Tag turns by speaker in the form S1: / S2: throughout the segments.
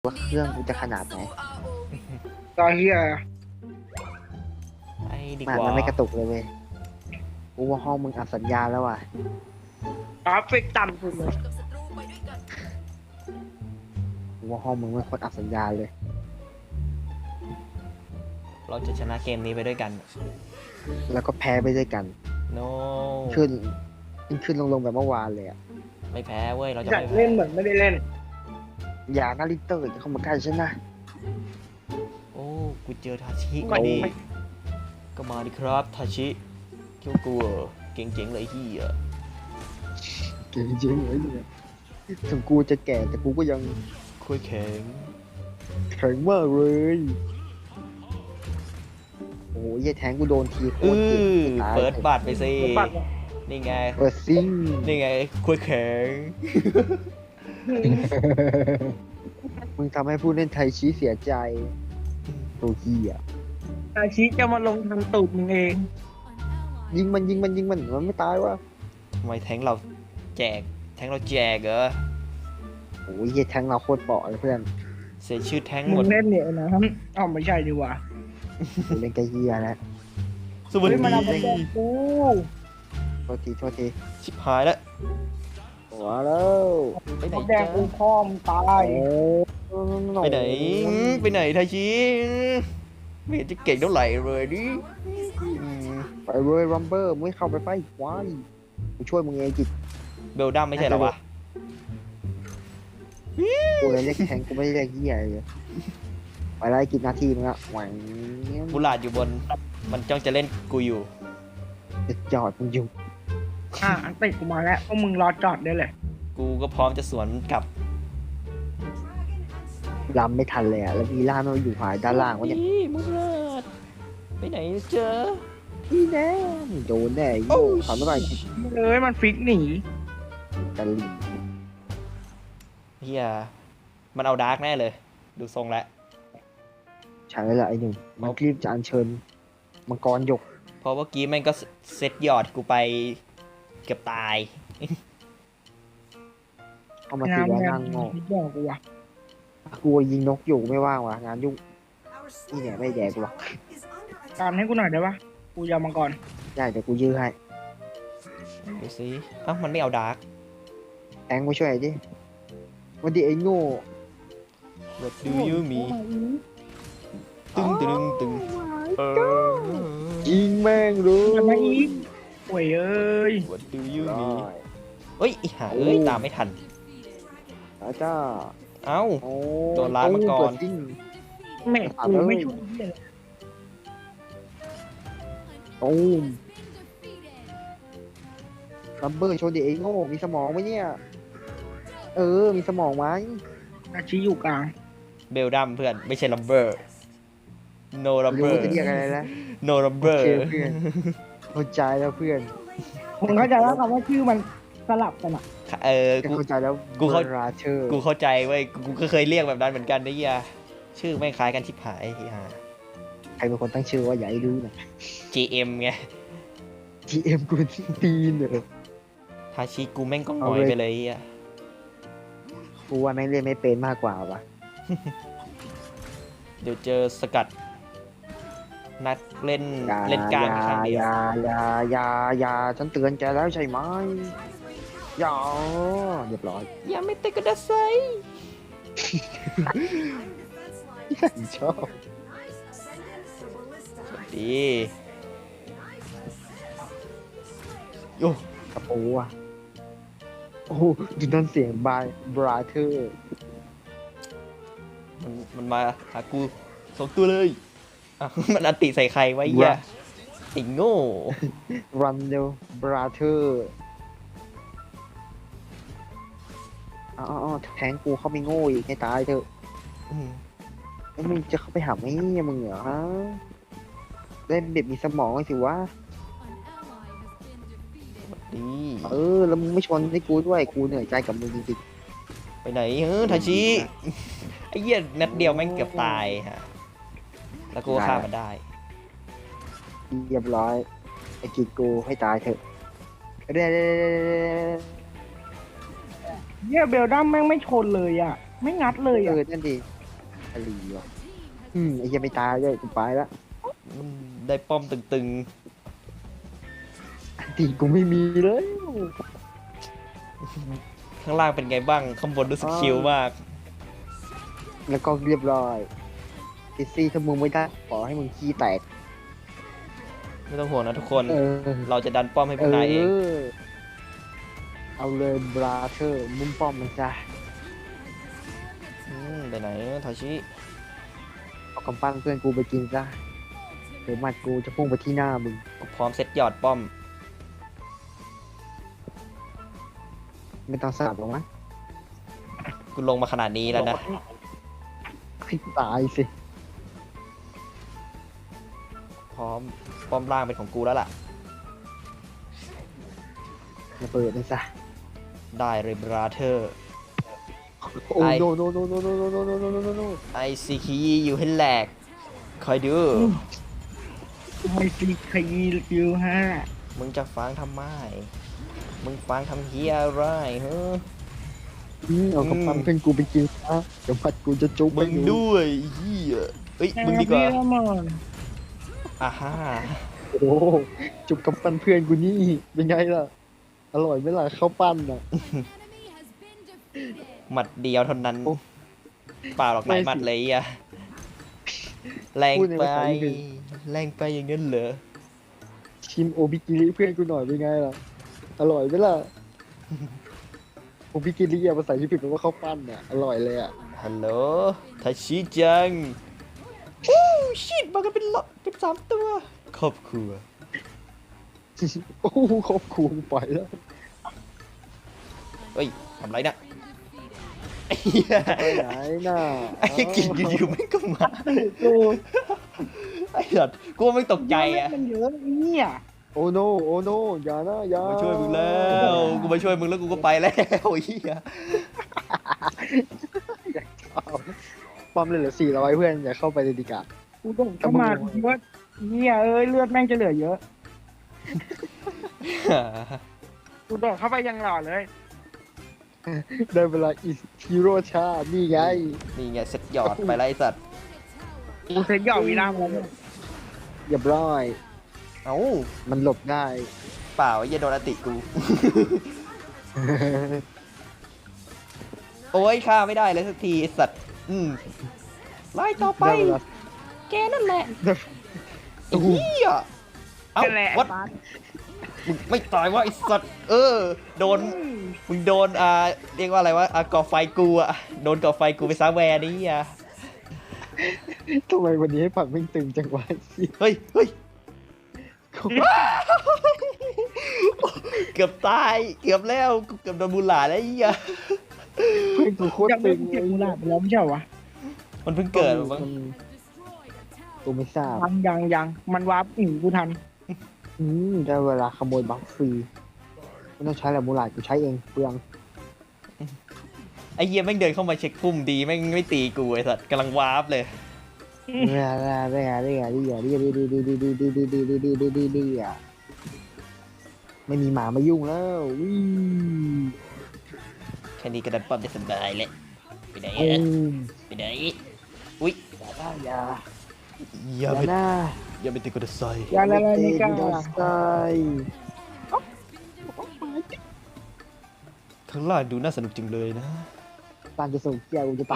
S1: ว่าเครื่องกูจะขนาดไหน
S2: ตอนเฮีย
S3: ไอ้ดี
S1: มัน
S3: กว่า
S1: มันไม่กระตุกเลยเว้ยกูว่าห้องมึงอับสัญญาณแล้วว่ะ
S2: กราฟิกต่ำสุดเลย
S1: กูว่าห้องมึงไม่ควรอับสัญญาณเลย
S3: เราจะชนะเกมนี้ไปด้วยกัน
S1: แล้วก็แพ้ไปด้วยกัน
S3: no
S1: ขึ้นลงแบบเมื่อวานเลยอ่ะ
S3: ไม่แพ้เว้ย เราจะ
S2: อยาก
S3: ไม่แพ้
S2: เล่นเหมือนไม่ได้เล่น
S1: อย่านาริเตอร์จะเข้ามาใกล้ฉันนะ
S3: โอ้กูเจอทาชิ
S2: ไม่
S3: มาดิ
S2: ไม่
S3: ก็มาดิครับทาชิเกี่ยวกูเหรอเก่งเจ๋งเลยที่อ่ะ
S1: เก่งจริงเลยเนี่ยถึงกูจะแก่แต่กูก็ยัง
S3: คุยแข็ง
S1: แข็งมากเลยโอ้ยไอ้แทงกูโดนทีโคตรเจ็บตาย
S3: เปิดบัตรไปสิ
S2: บัตรเนี่ย
S3: นี่ไง
S1: เปิดซิง
S3: นี่ไงคุยแข็ง
S1: มึงทำให้ผู้เล่นไทยชี้เสียใจโตเกีย
S2: อาชีจะมาลงทำตูดมึงเอง
S1: ยิงมันมันไม่ตายวะ
S3: ทำไมแทงเราแจกแทงเราแจกเหรอ
S1: โอ้ยไอ้แทงเราโคตรเปราะเลยเพื่อน
S3: เสียชื่อแทงห
S2: มึ
S3: มด
S2: งเล่นเนี่ยนะอ้าวไม่ใช่ดีกว่า
S1: กูเล่นกระเฮียแล้ว
S3: สวัส
S2: เฮ้
S3: ดี
S2: ยมันเอาไปแจกกู
S1: โทษที
S3: ชิบหายแล้ว
S1: หัวแล้ว
S3: ไปไหน
S2: เขาแด
S3: จ๊ะ
S2: งกูพ่อมงตาย
S3: ไปไหนไปไหนทาชิไม่เห็นจะเก่งเท่าไหร่เลยดิอืม
S1: ไปเว้ยรัมเบอร์มึงไม่เข้าไปไฟควายกูช่วยมึงเองจิต
S3: เบลดัมไม่ใช่เหรอวะ
S1: กูเลยเรียกแทงกูไม่ได้เรียกเฮียเลยไปไล่กินนาทีมึงอะหวัง
S3: บุหลาดอยู่บน มันจ้องจะเล่นกูอยู่
S1: จะจอดมึงอยู่
S2: อันติดกูมาแล้วพวกมึงรอจอดได้เลย
S3: กูก็พร้อมจะสวนกลับ
S1: ลำไม่ทันเลยอะแล้วมีล่ามันอยู่ฝ่ายด้านล่างวะเนี่ย
S3: อีบุหลาดไปไหนเจอ
S1: พี่แน่โดนแน่โย่ขำไม่ไหวกิน
S2: เลยมันฟิกหนี
S1: ตะลิง
S3: เฮียมันเอาดาร์กแน่เลย ดูทรงแล้ว
S1: ใช่แล้วล่ะไอ้หนุ่มมันรีบจะอัญเชิญมังกรหยก
S3: เพราะเมื่อกี้แม่งก็เซตยอดกูไปเกือบตาย
S1: เข้ามาตีแล้วนั่งงอ
S2: คิดบอกกูว่ะ
S1: กลัวยิงนกอยู่ไม่ว่างว่ะงานยุ่งนี่เนี่ยไม่แดกกูหรอก
S2: การให้กูหน่อยได้ปะกูยาวมังกร
S1: ได้เดี๋ยวกูยื้อให้
S3: ดูสิเอ้ามันไม่เอาดาร์ก
S1: แทงมาช่วยดิวันดีไอ้โง่
S3: What do you mean ตึงตึงตึงเออ
S1: ยิงแม่งรู้
S2: จะมาอีกโวยเอ้ย
S3: What do you
S1: ได้
S3: mean เอ้ยอีห่าเอ้ย ตามไม่ทัน
S1: แล้วจ้า
S3: เอ้า
S1: โอ้
S3: โดนล้างมาก่อน
S1: เปิดซิ่ง
S2: แม่กูไม่ช่วยเหี้ยเลย
S1: โอ้มลัมเบอร์โชว์ดิไอ้โง่มีสมองไหมเนี่ยมีสมองไหม
S2: อาชีอยู่กลาง
S3: เบลดัมเพื่อน ไม่ใช่ลัมเบอร์ no
S1: รู้
S3: lumber
S1: จะเรียกอะไรแล้ว
S3: no
S1: โอ
S3: lumber
S1: เคเพื่อนเข้าใจแล้วเพื่อน
S2: ผมเข้าใจแล้วคำว่าชื่อมันสลับกันอ่ะ
S3: กู
S1: เข้าใจแล้ว
S3: กูเข้า
S1: ราเชอร์
S3: กูเข้าใจเว้ย กูก็เคยเรียกแบบนั้นเหมือนกันนะเฮียชื่อไม่งคล้ายกันชิบหายที่ฮะ
S1: ใครเป็นคนตั้งชื่อว่าอย่าให้รู้นะ
S3: GM ไง
S1: GM กูตีนเหรอ
S3: ทาชิกูแม่งก็หงอยไปเลยอ่ะ
S1: กูว่าแม่งเล่นไม่เป็นมากกว่าว่ะ
S3: เดี๋ยวเจอสกัด นักเล่น
S1: อย่า
S3: เล่นกลางข้างเดียว
S1: อย่าฉันเตือนแกแล้วใช่ไหมอย่าเรียบร้อย
S3: อย่าไม่เตะกระดาษไซ
S1: ชอบ
S3: ดีโอ้
S1: กระปูอ่ะโอ้โหดูนั่นเสียงบายบราเธอร์
S3: มันมาหากูสองตัวเลยอ่ะ มันอันติใส่ใครไว้เหี้ยไอ้โง่
S1: รันเดลบราเธอร์อ๋อแทงกูเข้าไปโง่อีกให้ตายเถอะ
S3: อืม
S1: แล้วมึงจะเข้าไปหาไหมเนี่ยมึงเหรอฮะเล่นเด็กมีสมองหน่อยสิวะ
S3: ดี
S1: แล้วมึงไม่ชนให้กูด้วยกูเหนื่อยใจกับมึงจริง
S3: ไปไหนทาชิ ไอ้เหี้ยนัดเดียวแม่งเกือบตายฮะ แล้วกูก็ฆ่ามันได้
S1: ๆเรียบร้อยไอ้กิดกูให้ตายเถอะเด้
S2: เนี่ยเบลดัมแม่งไม่ชนเลยอ่ะไม่งัดเลยอ่ะ
S1: นั่นดีอะไรวะไอ้เหี้ยังไม่ตายเลยกูไปละ
S3: ได้ป้อมตึง
S1: อันตีกูไม่มีเลย
S3: ๆข้างล่างเป็นไงบ้างข้างบนรู้สึกชิลมาก
S1: แล้วก็เรียบร้อยกิซี่ถ้ามึงไม่ได้ขอให้มึงขี้แตก
S3: ไม่ต้องห่วงนะทุกคน
S1: เออ
S3: เราจะดันป้อมให้พวกนายเอง
S1: เอาเลยบราเธอร์มุมป้อมมันจ้ะ
S3: ไปไหนทาชิ
S1: เอากำปั้นเพื่อนกูไปกินซะเดี๋ยวหมัดกูจะพุ่งไปที่หน้ามึง
S3: พร้อมเซตหยอดป้อม
S1: ไม่ต้องสาบหรอกมั้ง
S3: กูลงมาขนาดนี้แล้วนะ
S1: ให้ตายสิ
S3: พร้อมป้อมล่างเป็นของกูแล้วล่ะ
S1: มาเปิดเลยซะ
S3: ได้เลยบราเธอร์
S1: โอ้โนโนโนโนโนโนโนโนโนโนโน
S3: ไอซีคีอยู่ให้แหลก คอยดู
S2: ไอ้ซีขยี้คิวห้า
S3: มึงจะฟังทำไม มึงฟังทำเฮียอะไรเฮ้อ
S1: เอากำปั้นเพื่อนกูไปกินซะเดี๋ยวหมัดกูจะจุ๊บ
S3: มึงด้วยเฮียเอ้ย มึงดีกว่า
S2: มอน
S3: อ่าฮ่า
S1: โอ้จุ๊บกำปั้นเพื่อนกูนี่เป็นไงล่ะอร่อยไหมล่ะข้าวปั้นอ่ะ
S3: หมัดเดียวเท่านั้น
S1: โอ้
S3: เปล่าหรอกไหน
S1: ไม่สิ
S3: หมัดเลยอ่ะแรง
S1: พูดใน
S3: ไป
S1: ภาษาอังกฤษ
S3: แรงไปอย่างนั้นเหรอ
S1: ชิมโอบิกิริเพื่อนกูหน่อยเป็นไงล่ะอร่อยไหมล่ะโอบิกิริอะภาษาญี่ปุ่นแปลว่าข้าวปั้นอ่ะอร่อยเลยอ่ะ
S3: ฮัลโหลทาชิจังวู้ชิดมากันเป็นเป็น3 ตัวครอบครัว
S1: โอ้โหครอบครัวกูไปแล้ว
S3: เฮ้ยทำไรนะไอ้เหี้ย
S1: ไปไหนน่ะ
S3: ไอ้กินอยู่ๆไม่งก็มา
S1: โอ้
S3: ไอ้สัตว์กูว่าไม่ตกใจอ่ะ
S2: มันเยอะเนี่ย
S1: โอ้โนโอ้โนอย่านะอย่า
S3: มาช่วยมึงแล้วกูมาช่วยมึงแล้วกูก็ไปแล้วไอ้เหี้ย
S1: ปั๊มเลยเหลือ400เพื่อนอย่าเข้าไปเลยดีกว่า
S2: กูต้องเข้ามาคิดว่าเนี่ยเอ้ยเลือดแม่งจะเหลือเยอะกูโดดเข้าไปยังหล่อเลย
S1: ได้เวลาอีฮีโร่ชานี่ไง
S3: นี่ไงเสร็จหยอดไปแล้วไอ้สัตว์
S2: กูเซ็ตหยอกวีรามแล้วเนี่ย
S1: เรียบร้อย
S3: เอ้า
S1: มันหลบได้
S3: เปล่าไอ้เหี้ยโดนอติกู โอ้ยฆ่าไม่ได้เลยสักทีไอ้สัตว์ไล่ต่อไป
S1: ได้เวลา
S3: แกนั่นแหละไอ้เหี้ยเอ้า
S2: นั่นแหละ
S3: วัดมึงไม่ตายวะไอ้สัตว์โดนมึงโดนเรียกว่าอะไรวะก่อไฟกูโดนก่อไฟกูไปซะแวร์นี่อ่ะ
S1: ทำไมวันนี้ให้ผักไม่งตึงจังวะสิ
S3: เฮ้ยเกือบตายเกือบแล้วกูเกือบโดนบูลหลาแล้วไอ้เหี้ย
S1: เพื่อนกูโคตร
S2: ยัง
S1: ตึ
S2: ไม่
S1: ง
S2: เก็บมูลาไปแล้วไม่ใช่เหรอวะ
S3: มันเพิ่งเกิดมั้ง
S1: กูไม่ทราบ
S2: ยังมันวาร์ปหนีกูทัน
S1: ได้เวลาขโมยบัฟฟรีไม่ต้องใช้แหละมูลาดกูใช้เองเปลือง
S3: ไอ้เหี้ยแม่งเดินเข้ามาเช็คพุ่มดีแม่งไม่ตีกูไอ้สัตว์กำลังวาร์ปเลย
S1: ไม่มีหมามายุ่งแล้ววิ่ง
S3: แค่นี้ก็ดันป้อมได้สบายเลยไปไหน
S1: โอ้
S3: ไปไหนอุ้ย
S1: อย่า
S3: อย่าไป
S1: หน้า
S3: อย่าไปติดกระใส
S2: ยาละลายนิกา
S1: ใช่
S3: ข้างล่างดูน่าสนุกจังเลยนะ
S1: ตานจะส่งเกียร์กูจะตาย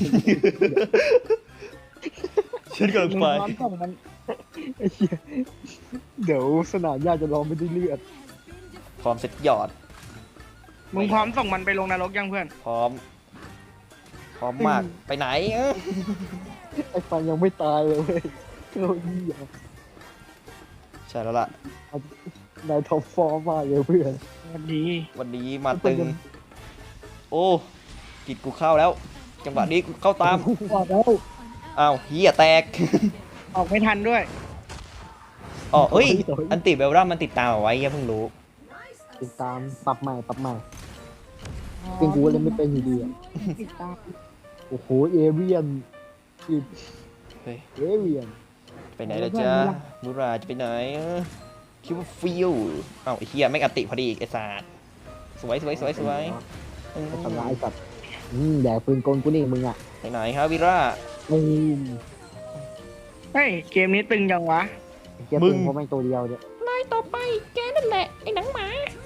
S3: ฉันกำลังไป
S2: มึงพร้อมส่งมัน
S1: ไอ้เหี้ยเดี๋ยวสนามหญ้าจะร้องไม่ได้เลือด
S3: พร้อมเซ็ตหยอด
S2: มึงพร้อมส่งมันไปลงนรกยังเพื่อน
S3: พร้อมมากไปไหน
S1: ไอ้ฟันยังไม่ตายเลยเว้ยโอ้ยเหี้ย
S3: ใช่แล้วล่ะ
S1: นายท็อปฟอร์มมากเลยเพื่อน
S2: สวัสดี
S3: วันนี้มาตึง โอ้กิดกูเข้าแล้ว จังหวะนี้กูเข้าตาม
S2: บอกแล้ว
S3: อ้าวเฮียแตก
S2: ออกไม่ทันด้วย
S3: อ๋อเฮ้ยอันติเบลรัมมันติดตามเอาไว้เฮียเพิ่งรู้
S1: ติดตามปรับใหม่เป็นกูเลยไม่เป็นอยู่ดีอะ
S2: ติดตาม
S1: โอ้โหเอเวียนอีก
S3: เฮ้ย
S1: เอเวียน
S3: ไปไหนล่ะจ๊ะมูราจะไปไหนคิดว่าฟิวอ้าวไอ้เฮียแม่งอันติพอดีอีกไอ้สัสสวย
S1: ทำร้ายสัตว์แดกปืนกลกูนี่มึงอ่ะ
S3: ไปไหนครับวิร่า
S1: อืม
S2: เฮ้ยเกมนี้ตึงยังวะ
S1: เกียร์
S3: มึ
S1: ปื
S3: ง
S1: นเพราะไม่ตัวเดียวเนี่ย
S3: นายต่อไปแกนั่นแหละไอ้หนังหมา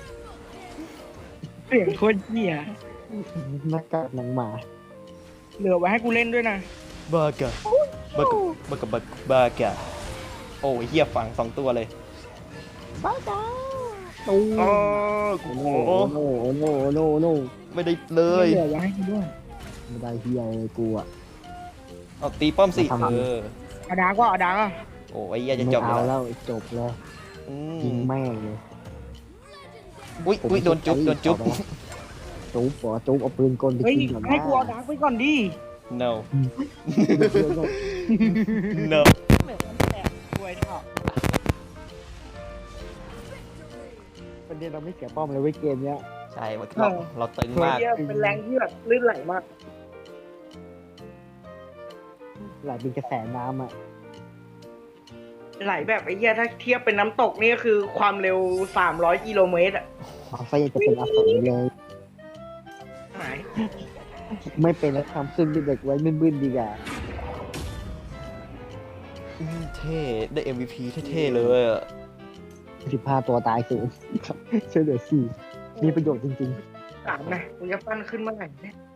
S2: เสียงโคตรเหี้ย
S1: หน้ากากหนังหมา
S2: เหลือไว้ให้กูเล่นด้วยนะ
S3: บากะบากะบากะบากะโอ้ยเฮียฝัง2 ตัวเลย
S1: บ้าจ้าตูม
S3: โอ้
S1: โอ้
S3: โห
S1: โหโอ้โหโอ้โหโอ้โหโอ้โห
S3: ไม่ได้เลย
S2: เหลือไว้ให้กูด้วย
S1: ไม่ได้เฮียเลยกูอ่ะ
S3: เอาตีป้อมสิ
S1: มาทำ
S2: เอาดาก็เอาดาก็
S3: โอ้ยเฮียจะ
S1: ไม่
S3: จบอ
S1: เอา
S3: ยู่แล้ว
S1: แล้วจบเลย
S3: อื
S1: ยิง
S3: ม
S1: แม่งเลย
S3: อุ้ยโดนจุ๊บโดนจุ๊บ
S1: จุ๊บเหรอจุ๊บเอาปืนกลไป
S2: เฮ้ย
S1: กินก่อนนะ
S2: ให้กูเอาดาไปก่อนดิ
S3: no
S1: เดี๋ยวก่อน
S3: no
S2: เหลือมันแตกรวยเถอะ
S1: ประเด็นเราไม่เสียป้อมเลยเว้ยเกมเนี้ย
S3: ใช่เราตึงมาก
S2: เหี้ยเป็นแรงที่แบบลื่นไหลมาก
S1: ไหลเป็นกระแสน้ำอ่ะ
S2: ไหลแบบไอ้เหี้ยถ้าเทียบเป็นน้ำตกนี่ก็คือความเร็ว300 กิโลเมตรอ่ะ
S1: ความไฟจะเป็นอสรเลย
S2: หาย
S1: ไม่เป็นแล้วทำขึ้นเป็นเด็กไว้บึ้นๆดีกว่า
S3: เท่ได้ MVP เท่ๆเลยอะ
S1: 15 ตัวตายศูนย์ช่วยเหลือ4มีประโยชน์จริง
S2: ถามนะกูจะปั้นขึ้นเมื่อไหร่เนี่ย